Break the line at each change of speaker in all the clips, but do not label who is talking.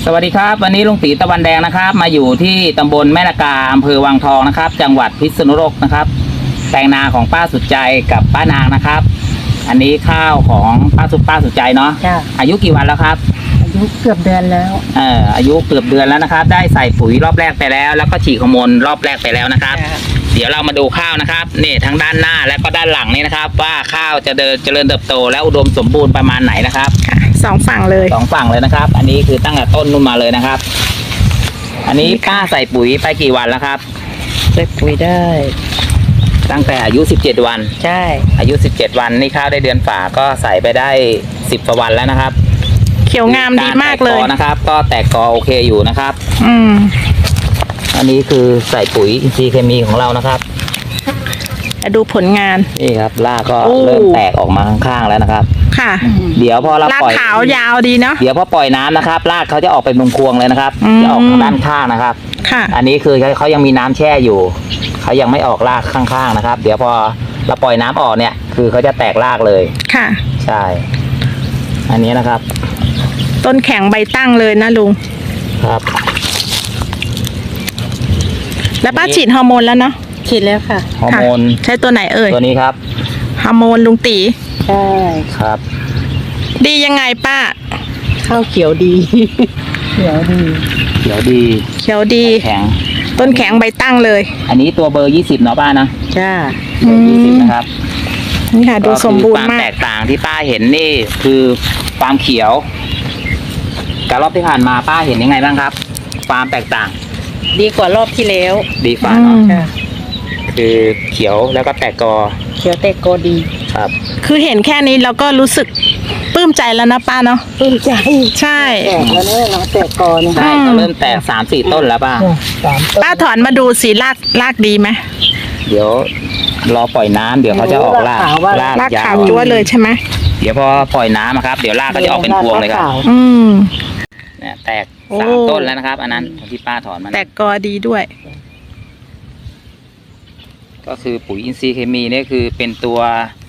สวัสดีครับวันนี้ลุงตีตะวันแดงนะครับมาอยู่ที่ตำบลแม่นากาอำเภอวังทองนะครับจังหวัดพิษณุโลกนะครับแปลงนาของป้าสุดใจกับป้านางนะครับอันนี้ข้าวของป้าสุดใจเนาะอายุกี่วันแล้วครับ
อายุเกือบเดือนแล้ว
อายุเกือบเดือนแล้วนะครับได้ใส่ปุ๋ยรอบแรกไปแล้วแล้วก็ฉีดฮอร์โมนรอบแรกไปแล้วนะครับเดี๋ยวเรามาดูข้าวนะครับนี่ทั้งด้านหน้าและก็ด้านหลังนี่นะครับว่าข้าวจะเจริญเติบโตและอุดมสมบูรณ์ประมาณไหนนะครับ
สองฝั่งเลย
นะครับอันนี้คือตั้งแต่ต้นนู่นมาเลยนะครับอันนี้ป้าใส่ปุ๋ยไปกี่วันแล้วครับ
ใส่ปุ๋ยได้
ตั้งแต่อายุ17วัน
ใช่
อายุ17วันนี่ข้าวได้เดือนฝ่าก็ใส่ไปได้10กว่าวันแล้วนะครับ
เขียวงามดีมากเลย
นะครับก็แตกกอโอเคอยู่นะครับอันนี้คือใส่ปุ๋ยอินทรีย์เคมีของเรานะครับ
ดูผลงาน
นี่ครับรากก็เริ่มแตกออกมาข้างๆแล้วนะครับ
ค่ะ
เดี๋ยวพอเราปล่อย
รากขาวยาวดีเนาะ
เดี๋ยวพอปล่อยน้ำนะครับรากเขาจะออกไปมุมพวงเลยนะครับจะออกทางด้านข้างนะครับ
ค่ะ
อันนี้คือเขายังมีน้ำแช่อยู่เขายังไม่ออกรากข้างๆนะครับเดี๋ยวพอเราปล่อยน้ำออกเนี่ยคือเขาจะแตกรากเลย
ค่ะ
ใช่อันนี้นะครับ
ต้นแข็งใบตั้งเลยนะลุง
ครับ
แล้วป้าฉีดฮอร์โมนแล้วเนาะ
ฉีดแล้วค่ะ
ฮอร์โมน
ใช้ตัวไหนเอ่ย
ตัวนี้ครับ
ฮอร์โมนลุงตี
ใช่
ครับ
ดียังไงป้า
ข้าวเขียวดีเขียวดี
แข็ง
ต้นแข็งใบตั้งเลย
อันนี้ตัวเบอร์20เนาะป้านะ
จ้า
เบอร์20นะครับ
นี่ค่ะดูสมบูรณ์มาก
ความแตกต่างที่ป้าเห็นนี่คือความเขียวกับรอบที่ผ่านมาป้าเห็นยังไงบ้างครับความแตกต่าง
ดีกว่ารอบที่แล้ว
ดีกว่าเนาะคือเขียวแล้วก็แตกกอ
เขียวแตกกอดี
ครับ
คือเห็นแค่นี้เราก็รู้สึกปลื้มใจแล้วนะป้าเนาะ
ปลื้มใจ
ใช่
แตกแล้วเนี่ยเราแตกกอเนี่ย
ใช่ก็เริ่มแตก3-4ต้นแล้ว
ป้าถอนมาดูสีรากดีไหม
เดี๋ยวรอปล่อยน้ำเดี๋ยวเขาจะออกราก
ขาวจั๊วเลยใช่ไหม
เดี๋ยวพอปล่อยน้ำครับเดี๋ยวรากก็จะออกเป็นพวงเลยครับเนี่ยแตก3ต้นแล้วนะครับอันนั้นที่ป้าถอนมา
แตกกอดีด้วย
ก็คือปุ๋ยอินทรีย์เคมีนี่คือเป็นตัว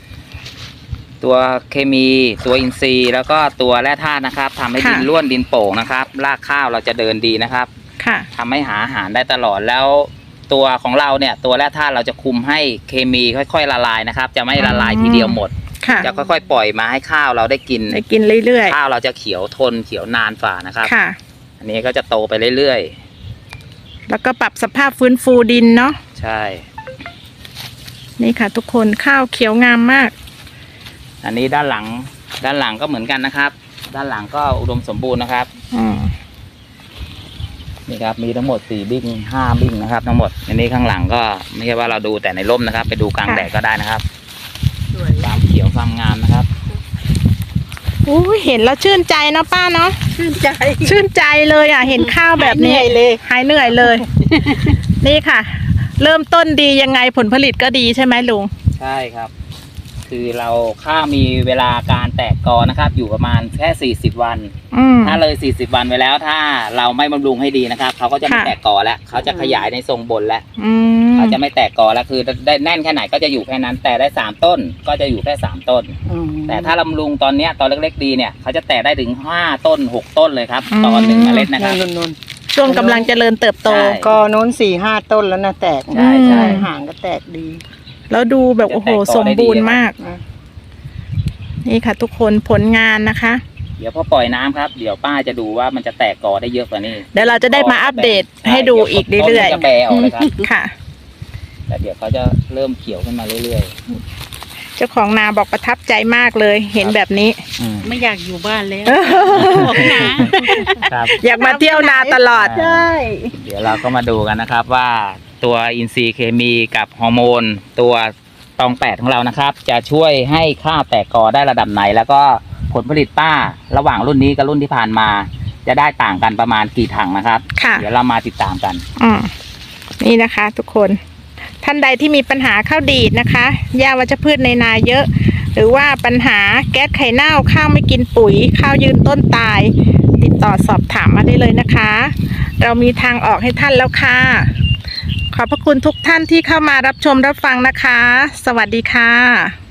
เคมีตัวอินทรีย์แล้วก็ตัวแร่ธาตุนะครับทำให้ดินร่วนดินโป่งนะครับรากข้าวเราจะเดินดีนะครับทำให้หาอาหารได้ตลอดแล้วตัวของเราเนี่ยตัวแร่ธาตุเราจะคุมให้เคมีค่อยๆละลายนะครับจะไม่ละลายทีเดียวหมดจะค่อยๆปล่อยมาให้ข้าวเราได้กิน
เรื่อย
ๆข้าวเราจะเขียวทนเขียวนานฝ่านะครับอันนี้ก็จะโตไปเรื่อย
ๆแล้วก็ปรับสภาพฟื้นฟูดินเนาะ
ใช่
นี่ค่ะทุกคนข้าวเขียวงามมาก
อันนี้ด้านหลังก็เหมือนกันนะครับด้านหลังก็อุดมสมบูรณ์นะครับนี่ครับมีทั้งหมด4บิ้ง5บิ้งนะครับทั้งหมดอันนี้ข้างหลังก็ไม่ใช่ว่าเราดูแต่ในร่มนะครับไปดูกลางแดดก็ได้นะครับความเขียวความงามนะครับ
เห็นแล้วชื่นใจเนาะป้าเนาะชื่นใจเลยอ่ะเห็นข้าวแบบนี้หายเหนื่อยเลยนี่ค่ะเริ่มต้นดียังไงผลผลิตก็ดีใช่ไหมลุง
ใช่ครับคือเราข้าวมีเวลาการแตกกอนะครับอยู่ประมาณแค่40วันถ้าเลย40วันไปแล้วถ้าเราไม่บำรุงให้ดีนะครับเขาก็จะไม่แตกกอแล้วเขาจะขยายในทรงบนแล้วเขาจะไม่แตกกอแล้วคือได้แน่นแค่ไหนก็จะอยู่แค่นั้นแต่ได้3ต้นก็จะอยู่แค่3ต้นแต่ถ้าบำรุงตอนเนี้ยตอนเล็กๆดีเนี่ยเขาจะแตกได้ถึง5ต้น6ต้นเลยครับตอน1เมล็ดนะครับ
ช่วงกำลังเจริญเติบโต
กอโน้น4-5ต้นแล้วนะแตก
ใช่
ห่างก็แตกดี
แล้วดูแบบโอ้โหสมบูรณ์มากนี่ค่ะทุกคนผลงานนะคะ
เดี๋ยวพอปล่อยน้ำครับเดี๋ยวป้าจะดูว่ามันจะแตกกอได้เยอะกว่านี้
เดี๋ยวเราจะได้มาอัปเดตให้ดูอีกเรื่อย
ๆจะแปรออกเลยครับ
ค่ะ
แต่เดี๋ยวเขาจะเริ่มเขียวขึ้นมาเรื่อย
ๆเจ้าของนาบอกประทับใจมากเลยเห็นแบบนี้
ไม่อยากอยู่บ้านแล้ว
อยากมาเที่ยวนาตลอด
ใช่
เดี๋ยวเราก็มาดูกันนะครับว่าตัวอินทรีย์เคมีกับฮอร์โมนตัวตอง8ของเรานะครับจะช่วยให้ข้าวแตกกอได้ระดับไหนแล้วก็ผลผลิตป้าระหว่างรุ่นนี้กับรุ่นที่ผ่านมาจะได้ต่างกันประมาณกี่ถังนะครับเดี๋ยวเรามาติดตามกัน
นี่นะคะทุกคนท่านใดที่มีปัญหาข้าวดีดนะคะหญ้าวัชพืชในนาเยอะหรือว่าปัญหาแก๊สไข่เน่าข้าวไม่กินปุ๋ยข้าวยืนต้นตายติดต่อสอบถามมาได้เลยนะคะเรามีทางออกให้ท่านแล้วค่ะขอบพระคุณทุกท่านที่เข้ามารับชมรับฟังนะคะสวัสดีค่ะ